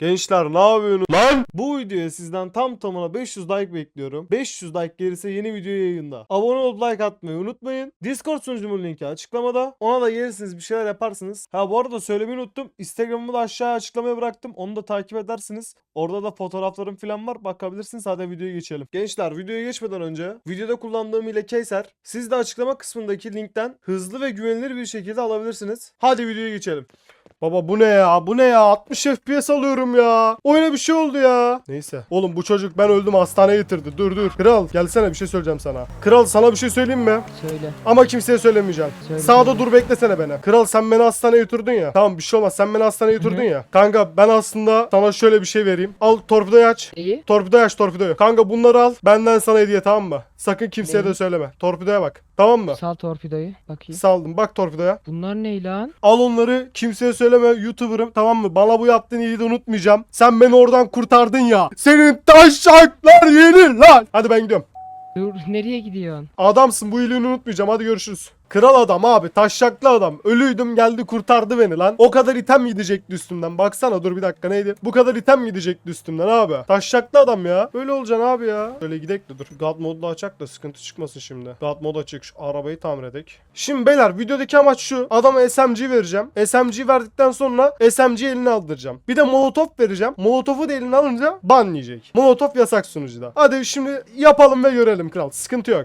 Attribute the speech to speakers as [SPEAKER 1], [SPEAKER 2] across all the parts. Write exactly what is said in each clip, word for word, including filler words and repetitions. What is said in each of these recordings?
[SPEAKER 1] Gençler ne yapıyorsunuz lan? Bu videoya sizden tam tamına beş yüz like bekliyorum. beş yüz like gelirse yeni video yayında. Abone olup like atmayı unutmayın. Discord sunucumun linki açıklamada. Ona da gelirsiniz, bir şeyler yaparsınız. Ha bu arada söylemeyi unuttum. Instagram'ımı da aşağıya açıklamaya bıraktım. Onu da takip edersiniz. Orada da fotoğraflarım falan var. Bakabilirsiniz. Hadi videoya geçelim. Gençler videoya geçmeden önce videoda kullandığım ile Keyser. Siz de açıklama kısmındaki linkten hızlı ve güvenilir bir şekilde alabilirsiniz. Hadi videoya geçelim. Baba bu ne ya? Bu ne ya? altmış F P S alıyorum ya. Oyuna bir şey oldu ya. Neyse. Oğlum bu çocuk ben öldüm hastaneye getirdi. Dur dur. Kral gelsene, bir şey söyleyeceğim sana. Kral sana bir şey söyleyeyim mi?
[SPEAKER 2] Söyle.
[SPEAKER 1] Ama kimseye söylemeyeceğim.
[SPEAKER 2] Söyle.
[SPEAKER 1] Sağda dur, beklesene beni. Kral sen beni hastaneye götürdün ya. Tamam bir şey olmaz. Sen beni hastaneye götürdün ya. Kanka ben aslında sana şöyle bir şey vereyim. Al torpidoyu aç.
[SPEAKER 2] İyi.
[SPEAKER 1] Torpidoyu aç torpidoyu. Kanka bunları al. Benden sana hediye, tamam mı? Sakın kimseye
[SPEAKER 2] Neyi?
[SPEAKER 1] de söyleme. Torpidoya bak. Tamam mı?
[SPEAKER 2] Sal torpidoyu. Bakayım.
[SPEAKER 1] Saldım. Bak torpidoya.
[SPEAKER 2] Bunlar ne lan?
[SPEAKER 1] Al onları, kimseye söyleme, YouTuber'ım, tamam mı? Bana bu yaptığın iyiliği de unutmayacağım. Sen beni oradan kurtardın ya. Senin taşaklar yenir lan. Hadi ben gidiyorum.
[SPEAKER 2] Dur, nereye gidiyorsun?
[SPEAKER 1] Adamsın, bu iyiliğini unutmayacağım. Hadi görüşürüz. Kral adam abi, taşaklı adam. Ölüydüm geldi kurtardı beni lan. O kadar item gidecekti üstümden. Baksana, dur bir dakika, neydi? Bu kadar item gidecekti üstümden abi. Taşaklı adam ya. Böyle olacaksın abi ya. Böyle gidek de dur. God modda açak da sıkıntı çıkmasın şimdi. God mod açık, şu arabayı tamir edek. Şimdi beyler videodaki amaç şu. Adama S M G vereceğim. S M G verdikten sonra S M G eline aldıracağım. Bir de molotof vereceğim. Molotofu da eline alınca ban yiyecek. Molotof yasak sunucuda. Hadi şimdi yapalım ve görelim kral. Sıkıntı yok.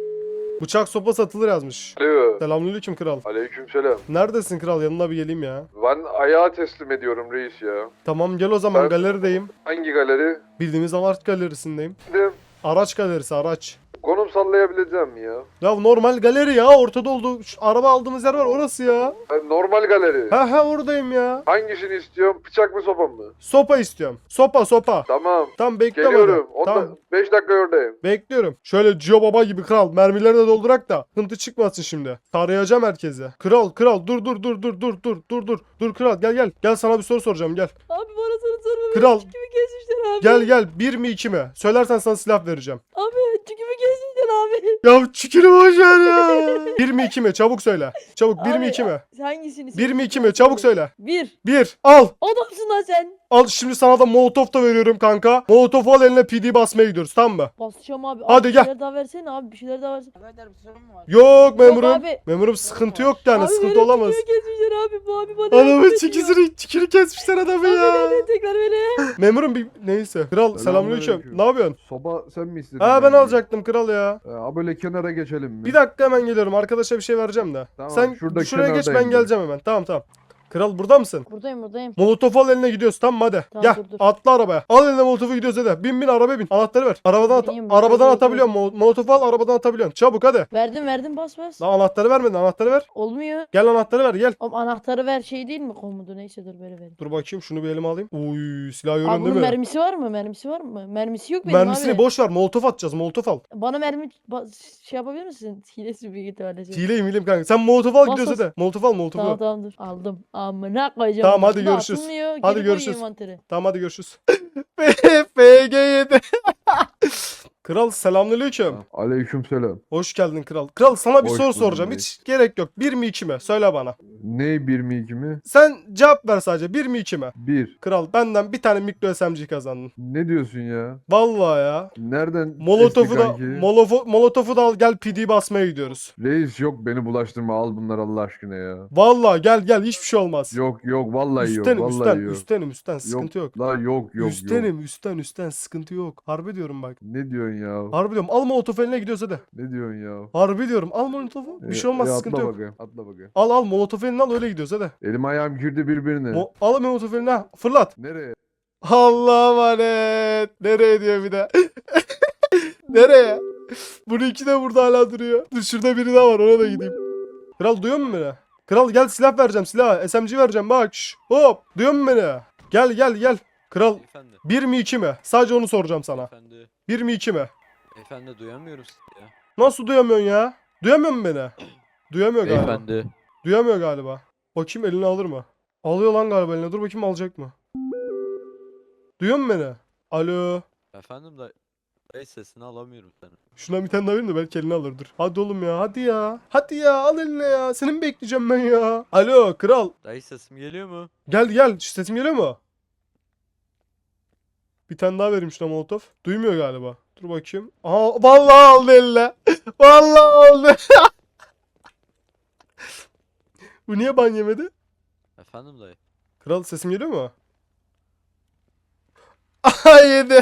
[SPEAKER 1] Bıçak sopa satılır yazmış.
[SPEAKER 3] Alo.
[SPEAKER 1] Selamünaleyküm kral.
[SPEAKER 3] Aleykümselam.
[SPEAKER 1] Neredesin kral? Yanına bir geleyim ya.
[SPEAKER 3] Ben ayağa teslim ediyorum reis ya.
[SPEAKER 1] Tamam gel o zaman,
[SPEAKER 3] Ben-
[SPEAKER 1] galerideyim.
[SPEAKER 3] Hangi galeri?
[SPEAKER 1] Bildiğimiz Art galerisindeyim.
[SPEAKER 3] De
[SPEAKER 1] Araç galerisi, araç.
[SPEAKER 3] konum sallayabileceğim mi ya?
[SPEAKER 1] Ya normal galeri ya, ortada oldu. Şu araba aldığımız yer var, orası ya.
[SPEAKER 3] Ben normal galeri.
[SPEAKER 1] Ha ha oradayım ya.
[SPEAKER 3] Hangisini istiyorum? Bıçak mı sopa mı?
[SPEAKER 1] Sopa istiyorum. Sopa sopa.
[SPEAKER 3] Tamam.
[SPEAKER 1] Tamam bekliyorum.
[SPEAKER 3] Geliyorum.
[SPEAKER 1] hadi. Tamam.
[SPEAKER 3] beş dakika oradayım.
[SPEAKER 1] Bekliyorum. Şöyle Cio Baba gibi kral. Mermileri de doldurak da hıntı çıkmasın şimdi. Tarayacağım herkese. Kral kral dur dur dur dur dur dur dur dur. Dur kral gel gel. Gel sana bir soru soracağım gel.
[SPEAKER 4] Abi bana soru sorma.
[SPEAKER 1] Kral.
[SPEAKER 4] Kimi kesmişler abi?
[SPEAKER 1] Gel gel, bir mi iki mi? Söylersen sana silah vereceğim.
[SPEAKER 4] Abi kimi kesmişler abi?
[SPEAKER 1] Ya çükürü boş ver ya. bir mi iki mi? Çabuk söyle. Çabuk, bir mi
[SPEAKER 4] Abi,
[SPEAKER 1] iki mi?
[SPEAKER 4] Hangisini?
[SPEAKER 1] bir mi iki mi? Çabuk söyle.
[SPEAKER 4] Bir.
[SPEAKER 1] bir. Al.
[SPEAKER 4] Adamsın lan sen.
[SPEAKER 1] Al şimdi sana da molotof da veriyorum kanka. Molotofu al, eline P D basmaya gidiyoruz, tamam mı?
[SPEAKER 4] Basacağım abi.
[SPEAKER 1] Hadi
[SPEAKER 4] abi,
[SPEAKER 1] gel.
[SPEAKER 4] Bir şeyler daha versene abi. Bir şeyler daha versene.
[SPEAKER 5] Birader bir sorun mu var?
[SPEAKER 1] Yok memurum.
[SPEAKER 4] abi.
[SPEAKER 1] Memurum sıkıntı yok yani,
[SPEAKER 4] Abi
[SPEAKER 1] sıkıntı
[SPEAKER 4] benim
[SPEAKER 1] olamaz.
[SPEAKER 4] Kimi kesmişler abi? Bu abi bana
[SPEAKER 1] Adamın
[SPEAKER 4] yardım ediyor.
[SPEAKER 1] çikisini, çikini kesmişler adamı
[SPEAKER 4] Abi
[SPEAKER 1] ya.
[SPEAKER 4] nereden tekrar beni?
[SPEAKER 1] Memurum bir neyse. Kral selamünaleyküm.
[SPEAKER 3] Selamünaleyküm.
[SPEAKER 1] Ne yapıyorsun?
[SPEAKER 3] Soba sen mi istedin?
[SPEAKER 1] Ha ben alacaktım kral ya.
[SPEAKER 3] Ha böyle kenara geçelim mi?
[SPEAKER 1] Bir dakika hemen geliyorum. Arkadaşa bir şey vereceğim de.
[SPEAKER 3] Tamam,
[SPEAKER 1] Sen
[SPEAKER 3] şurada
[SPEAKER 1] şuraya geç, ben
[SPEAKER 3] kenardayım ben.
[SPEAKER 1] geleceğim hemen. Tamam tamam. Kral burada mısın?
[SPEAKER 4] Buradayım buradayım.
[SPEAKER 1] Molotof al, eline gidiyoruz, tamam mı? Hadi.
[SPEAKER 4] Tamam,
[SPEAKER 1] Gel
[SPEAKER 4] dur, dur.
[SPEAKER 1] atla arabaya. Al eline molotofu, gidiyoruz hadi. Bin bin arabaya bin. Anahtarı ver. Arabadan at
[SPEAKER 4] Bineyim, ben
[SPEAKER 1] arabadan
[SPEAKER 4] bekle,
[SPEAKER 1] atabiliyorsun. Mol- Molotofu al, arabadan atabiliyorsun. Çabuk hadi.
[SPEAKER 4] Verdim verdim bas bas.
[SPEAKER 1] Lan anahtarı vermedin, anahtarı ver.
[SPEAKER 4] Olmuyor.
[SPEAKER 1] Gel anahtarı ver gel.
[SPEAKER 4] Oğlum anahtarı ver şey değil mi komutu? Neyse dur böyle vereyim.
[SPEAKER 1] Dur bakayım, şunu bir elime alayım. Uy silah
[SPEAKER 4] Abi
[SPEAKER 1] yönünde
[SPEAKER 4] bunun
[SPEAKER 1] mi?
[SPEAKER 4] mermisi var mı? Mermisi var mı? Mermisi yok benim
[SPEAKER 1] Mermisini
[SPEAKER 4] abi.
[SPEAKER 1] boş ver. Molotof atacağız. Molotof al.
[SPEAKER 4] Bana mermi ba- şey yapabilir misin? Hilesi büyük ihtimalle.
[SPEAKER 1] Hileyim hileyim kanka. Sen molotof al,
[SPEAKER 4] Bas,
[SPEAKER 1] gidiyoruz
[SPEAKER 4] bas.
[SPEAKER 1] hadi. Molotof al, molotofu.
[SPEAKER 4] Tamam
[SPEAKER 1] Tamam,
[SPEAKER 4] tamam dur. Aldım. Amına koyacağım.
[SPEAKER 1] Tamam, hadi
[SPEAKER 4] Bu da
[SPEAKER 1] görüşürüz.
[SPEAKER 4] atılmıyor,
[SPEAKER 1] Hadi
[SPEAKER 4] geri koyuyor
[SPEAKER 1] görüşürüz.
[SPEAKER 4] envantere.
[SPEAKER 1] hadi görüşürüz. F G yedi. Kral selamünaleyküm.
[SPEAKER 3] Aleykümselam.
[SPEAKER 1] Hoş geldin kral. Kral sana bir
[SPEAKER 3] Hoş
[SPEAKER 1] soru
[SPEAKER 3] buldum
[SPEAKER 1] soracağım.
[SPEAKER 3] reis.
[SPEAKER 1] Hiç gerek yok. Bir mi iki mi? Söyle bana.
[SPEAKER 3] Ne bir mi iki mi?
[SPEAKER 1] Sen cevap ver sadece. Bir mi iki mi?
[SPEAKER 3] Bir.
[SPEAKER 1] Kral benden bir tane mikro S M G kazandın.
[SPEAKER 3] Ne diyorsun ya?
[SPEAKER 1] Vallahi ya.
[SPEAKER 3] Nereden
[SPEAKER 1] Molotofu
[SPEAKER 3] esti
[SPEAKER 1] da
[SPEAKER 3] kanki?
[SPEAKER 1] molofu, molotofu da al, gel P D basmaya gidiyoruz.
[SPEAKER 3] Reis yok beni bulaştırma, al bunlar Allah aşkına ya.
[SPEAKER 1] Vallahi gel gel, hiçbir şey olmaz.
[SPEAKER 3] Yok yok vallahi
[SPEAKER 1] üstenim
[SPEAKER 3] yok
[SPEAKER 1] üstten
[SPEAKER 3] vallahi yok.
[SPEAKER 1] üstenim üstten sıkıntı yok.
[SPEAKER 3] La yok yok yok.
[SPEAKER 1] üstenim üstten üstten sıkıntı yok. Harbi diyorum bak.
[SPEAKER 3] Ne diyorsun ya?
[SPEAKER 1] Harbi diyorum. Al molotofu, eline gidiyoruz hadi.
[SPEAKER 3] Ne diyorsun ya?
[SPEAKER 1] Harbi diyorum. Al molotofu. Bir şey
[SPEAKER 3] E,
[SPEAKER 1] olmaz,
[SPEAKER 3] e,
[SPEAKER 1] sıkıntı
[SPEAKER 3] atla
[SPEAKER 1] yok.
[SPEAKER 3] bakayım, atla bakayım.
[SPEAKER 1] Al al molotofu eline al, öyle gidiyoruz hadi.
[SPEAKER 3] Elim ayağım girdi birbirine.
[SPEAKER 1] Mo al molotofu eline, ha, fırlat.
[SPEAKER 3] Nereye?
[SPEAKER 1] Allah'a emanet. Nereye diyor bir de. Nereye? Bunu iki de burada hala duruyor. Dur şurada biri daha var, ona da gideyim. Kral duyuyor musun beni? Kral gel, silah vereceğim, silah. S M G vereceğim bak. Şş, hop. Duyuyor musun beni? Gel gel gel. Kral
[SPEAKER 6] Efendi.
[SPEAKER 1] bir mi iki mi? Sadece onu soracağım sana.
[SPEAKER 6] Efendi.
[SPEAKER 1] bir mi iki mi?
[SPEAKER 6] Efendi duyamıyorum sizi ya.
[SPEAKER 1] Nasıl duyamıyorsun ya? Duyamıyor musun beni? Duyamıyor galiba.
[SPEAKER 6] Beyefendi.
[SPEAKER 1] Duyamıyor galiba. Bakayım elini alır mı? Alıyor lan galiba eline. Dur bakayım alacak mı? Duyuyor musun beni? Alo.
[SPEAKER 6] Efendim da dayı sesini alamıyorum seni.
[SPEAKER 1] Şuna bir tane daha vereyim de belki elini alır. Dur. Hadi oğlum ya. Hadi ya. Hadi ya. Al eline ya. Seni mi bekleyeceğim ben ya? Alo kral.
[SPEAKER 6] Dayı sesim geliyor mu?
[SPEAKER 1] Gel gel. Sesim geliyor mu? Bir tane daha vereyim şuna molotof. Duymuyor galiba. Dur bakayım. Aa vallahi aldı eline. Vallahi aldı. Bu niye ban yemedi?
[SPEAKER 6] Efendim dayı.
[SPEAKER 1] Kral sesim geliyor mu? Aha yedi.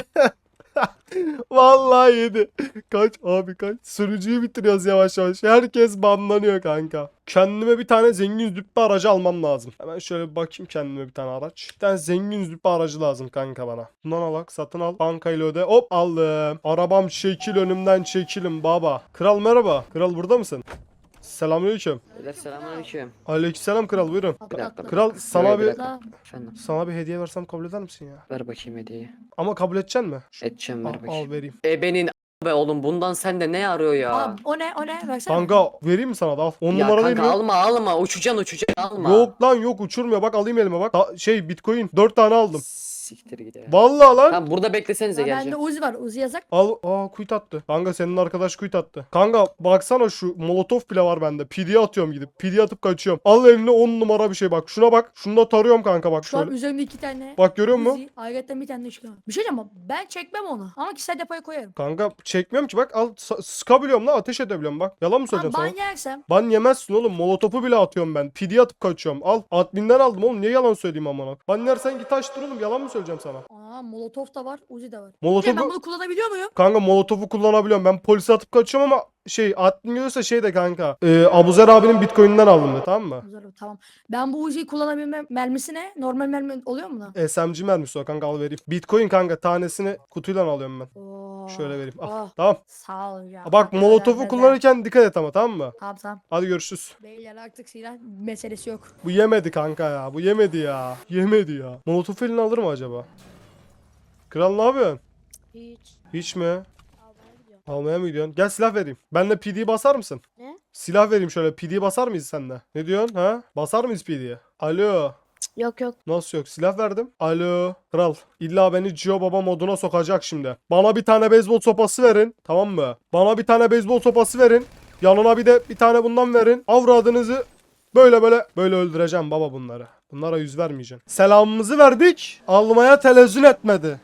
[SPEAKER 1] Vallahi yedi. Kaç abi kaç. Sürücüyü bitiriyoruz yavaş yavaş. Herkes banlanıyor kanka. Kendime bir tane zengin züppe aracı almam lazım. Hemen şöyle bir bakayım kendime bir tane araç. Bir tane zengin züppe aracı lazım kanka bana. Bundan alak satın al. Bankayla öde. Hop aldım. Arabam çekil önümden çekilin baba. Kral merhaba. Kral burada mısın? Selamünaleyküm.
[SPEAKER 5] Beyler selamünaleyküm.
[SPEAKER 1] Aleykümselam kral buyurun.
[SPEAKER 5] Bir dakika.
[SPEAKER 1] Kral sana
[SPEAKER 5] Buyur,
[SPEAKER 1] bir
[SPEAKER 5] bir dakika. Efendim
[SPEAKER 1] sana bir hediye versem kabul eder misin ya?
[SPEAKER 5] ver bakayım hediyeyi.
[SPEAKER 1] Ama kabul edeceksin mi?
[SPEAKER 5] Edeceğim ver
[SPEAKER 1] Al, al
[SPEAKER 5] bakayım.
[SPEAKER 1] vereyim.
[SPEAKER 5] E benim be oğlum bundan sende ne arıyor ya?
[SPEAKER 4] Abi, o ne o ne versene.
[SPEAKER 1] Kanka vereyim mi sana da al. on
[SPEAKER 5] ya
[SPEAKER 1] numara değil
[SPEAKER 5] kanka
[SPEAKER 1] mi?
[SPEAKER 5] alma alma uçacaksın uçacaksın alma.
[SPEAKER 1] Yok lan yok uçurmuyor. Bak alayım elime bak. Da- şey Bitcoin dört tane aldım.
[SPEAKER 5] Siktir git ya.
[SPEAKER 1] Vallahi lan.
[SPEAKER 5] Tamam burada beklesenize
[SPEAKER 4] Ya bende
[SPEAKER 5] geleceğim.
[SPEAKER 4] Uzi var. Uzi yazak.
[SPEAKER 1] Al. Aa kuyut attı. Kanka senin arkadaş kuyut attı. Kanka baksana şu molotof bile var bende. P D'ye atıyorum gidip. P D'ye atıp kaçıyorum. Al eline on numara bir şey bak. Şuna bak. Şunu da tarıyorum kanka bak
[SPEAKER 4] Şu an
[SPEAKER 1] şöyle.
[SPEAKER 4] üzerimde iki tane.
[SPEAKER 1] Bak görüyor musun?
[SPEAKER 4] Uzi. Ayrıca bir tane de çıkıyor. Bir şey diyeceğim ama ben çekmem onu. Ama kişisel depoya koyarım.
[SPEAKER 1] Kanka çekmiyorum ki bak al sa- sıkabiliyorum lan ateş edebiliyorum bak. Yalan mı
[SPEAKER 4] Abi
[SPEAKER 1] söyleyeceğim sana?
[SPEAKER 4] ban yersem.
[SPEAKER 1] Ban yemezsin oğlum. Molotofu bile atıyorum ben. P D'ye atıp kaçıyorum. Al. Admin'den aldım oğlum. Niye yalan söyleyeyim amına? Ban yersen git açtır oğlum. Yalan mı söyleyeceğim sana?
[SPEAKER 4] Aa molotof da var. Uzi de var.
[SPEAKER 1] Molotofu...
[SPEAKER 4] Şey, ben bunu kullanabiliyor muyum?
[SPEAKER 1] Kanka molotofu kullanabiliyorum. Ben polise atıp kaçıyorum ama şey admin görürse şey de kanka. E, Abuzer abinin bitcoin'inden aldım de tamam mı?
[SPEAKER 4] Güzel, tamam. Ben bu Uzi'yi kullanabilme mermisi ne? Normal mermi oluyor mu lan?
[SPEAKER 1] S M G mermisi o kanka al vereyim. Bitcoin kanka tanesini kutuyla alıyorum ben.
[SPEAKER 4] Oo.
[SPEAKER 1] Şöyle vereyim. Al.
[SPEAKER 4] Oh,
[SPEAKER 1] Tamam.
[SPEAKER 4] sağ ol ya.
[SPEAKER 1] Bak
[SPEAKER 4] Güzel,
[SPEAKER 1] molotofu
[SPEAKER 4] güzel.
[SPEAKER 1] kullanırken dikkat et ama tamam mı?
[SPEAKER 4] Tamam tamam.
[SPEAKER 1] Hadi görüşürüz.
[SPEAKER 4] Beyler artık silah meselesi yok.
[SPEAKER 1] Bu yemedi kanka ya. Bu yemedi ya. Yemedi ya. Molotofu eline alır mı acaba? Kral ne yapıyorsun?
[SPEAKER 4] Hiç.
[SPEAKER 1] Hiç mi?
[SPEAKER 4] Almaya gidiyorum.
[SPEAKER 1] Almaya mı gidiyorsun? Gel silah vereyim. Benle P D basar mısın?
[SPEAKER 4] Ne?
[SPEAKER 1] Silah vereyim şöyle. P D basar mıyız sende? Ne diyorsun ha? Basar mıyız P D'ye? Alo.
[SPEAKER 4] Yok yok.
[SPEAKER 1] Nasıl yok? Silah verdim. Alo. Kral. İlla beni Cio Baba moduna sokacak şimdi. Bana bir tane beyzbol sopası verin. Tamam mı? Bana bir tane beyzbol sopası verin. Yanına bir de bir tane bundan verin. Avradınızı böyle böyle böyle öldüreceğim baba bunları. Bunlara yüz vermeyeceğim. Selamımızı verdik. Almaya tenezzül etmedi.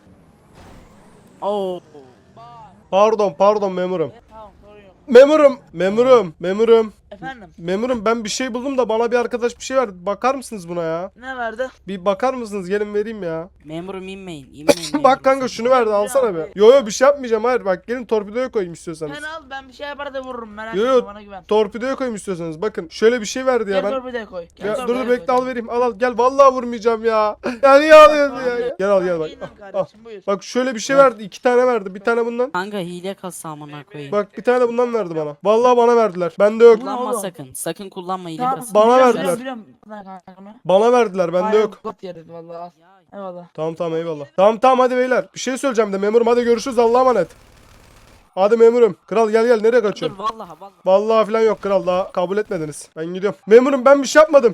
[SPEAKER 7] Oo.
[SPEAKER 1] Pardon pardon memurum.
[SPEAKER 7] Tamam sorun yok.
[SPEAKER 1] Memurum. Memurum. Memurum.
[SPEAKER 7] Efendim
[SPEAKER 1] Memurum ben bir şey buldum da bana bir arkadaş bir şey verdi. Bakar mısınız buna ya?
[SPEAKER 7] ne verdi?
[SPEAKER 1] Bir bakar mısınız? Gelin vereyim ya.
[SPEAKER 7] Memurum inmeyin. inmeyin
[SPEAKER 1] Bak kanka şunu verdi alsana be. Yo yo bir şey yapmayacağım hayır bak gelin torpidoya koyayım istiyorsanız.
[SPEAKER 7] Ben al ben bir şey yapar da vururum merak
[SPEAKER 1] Yo, yo.
[SPEAKER 7] etme bana güven.
[SPEAKER 1] Torpidoya koyayım istiyorsanız bakın şöyle bir şey verdi ya
[SPEAKER 7] Gel
[SPEAKER 1] ben.
[SPEAKER 7] torpidoya koy. Gel
[SPEAKER 1] Ya, dur
[SPEAKER 7] torpidoya
[SPEAKER 1] dur bekle
[SPEAKER 7] koy.
[SPEAKER 1] al vereyim al al gel vallahi vurmayacağım ya. Ya niye alıyorsun ya? Gel al gel bak.
[SPEAKER 7] İnan
[SPEAKER 1] Ah, ah.
[SPEAKER 7] kardeşim, buyur.
[SPEAKER 1] Bak şöyle bir şey verdi iki tane verdi bir tane bundan.
[SPEAKER 8] Kanka hile kasa amına koyayım.
[SPEAKER 1] Bak bir tane de bundan verdi bana. Vallahi bana verdiler. Bende yok.
[SPEAKER 8] Kullanma
[SPEAKER 7] oğlum?
[SPEAKER 8] sakın. Sakın kullanma hile
[SPEAKER 7] Tamam,
[SPEAKER 8] kasa.
[SPEAKER 1] Bana
[SPEAKER 7] biliyorum,
[SPEAKER 1] verdiler.
[SPEAKER 7] Biliyorum, biliyorum. Lan kanka.
[SPEAKER 1] Bana verdiler bende
[SPEAKER 7] Aynen,
[SPEAKER 1] yok.
[SPEAKER 7] Got yeriz vallahi al. Eyvallah.
[SPEAKER 1] Tamam tamam eyvallah. Tamam tamam hadi beyler. Bir şey söyleyeceğim de memurum hadi görüşürüz Allah'a emanet. Hadi memurum. Kral gel gel nereye
[SPEAKER 8] Dur
[SPEAKER 1] kaçıyorsun?
[SPEAKER 8] vallahi vallahi.
[SPEAKER 1] Vallahi falan yok kral daha kabul etmediniz. Ben gidiyorum. Memurum ben bir şey yapmadım.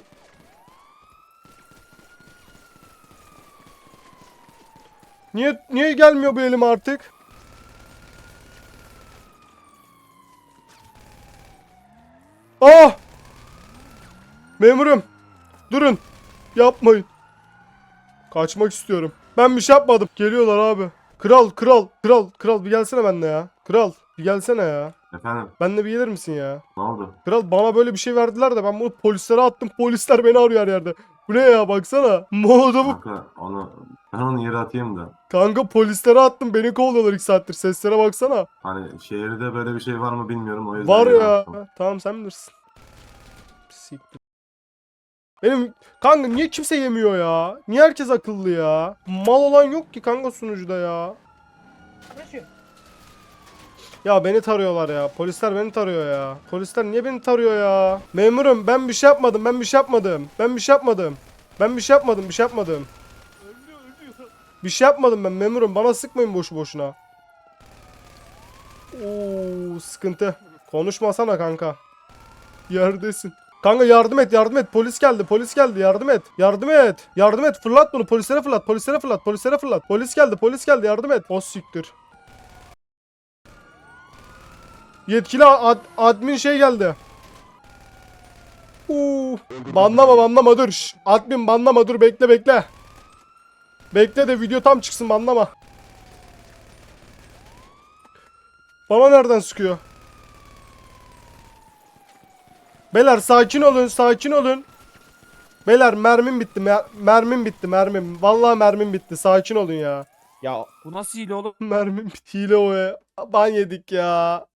[SPEAKER 1] Niye niye gelmiyor bu elime artık? Ah! Memurum. Durun. Yapmayın. Kaçmak istiyorum. Ben bir şey yapmadım. Geliyorlar abi. Kral kral kral kral bir gelsene benimle ya. Kral bir gelsene ya.
[SPEAKER 9] Efendim
[SPEAKER 1] Benimle bir gelir misin ya?
[SPEAKER 9] ne oldu?
[SPEAKER 1] Kral bana böyle bir şey verdiler de ben bunu polislere attım. Polisler beni arıyor her yerde. Bu ne ya baksana. Molotofu
[SPEAKER 9] Kanka onu ben onu yere atayım da.
[SPEAKER 1] kanka polislere attım. Beni kovalıyorlar iki saattir. Seslere baksana.
[SPEAKER 9] Hani şehirde böyle bir şey var mı bilmiyorum o yüzden
[SPEAKER 1] Var
[SPEAKER 9] yere
[SPEAKER 1] ya.
[SPEAKER 9] attım.
[SPEAKER 1] Tamam sen bilirsin. Siktir. Benim kanka niye kimse yemiyor ya? Niye herkes akıllı ya? Mal olan yok ki kanka sunucuda ya. Ya beni tarıyorlar ya. Polisler beni tarıyor ya. Polisler niye beni tarıyor ya? Memurum ben bir şey yapmadım. Ben bir şey yapmadım. Ben bir şey yapmadım. Ben bir şey yapmadım. Bir şey yapmadım. Bir şey yapmadım ben memurum. Bana sıkmayın boşu boşuna. Oo sıkıntı. Konuşmasana kanka. Yerdesin. Kanka yardım et yardım et. Polis geldi polis geldi yardım et. Yardım et. Yardım et fırlat bunu polislere fırlat. Polislere fırlat. Polislere fırlat. Polis geldi polis geldi yardım et. O siktir. Yetkili ad, admin şey geldi. Uuu. Banlama banlama dur. Şş, admin banlama dur bekle bekle. Bekle de video tam çıksın banlama. Bana nereden sıkıyor? Beyler sakin olun, sakin olun. Beyler mermim bitti, mer- mermim bitti, mermim. Vallahi mermim bitti. Sakin olun ya. Ya
[SPEAKER 10] Bu nasıl hile oğlum?
[SPEAKER 1] mermim bitti. Hile o ya. Ban yedik ya.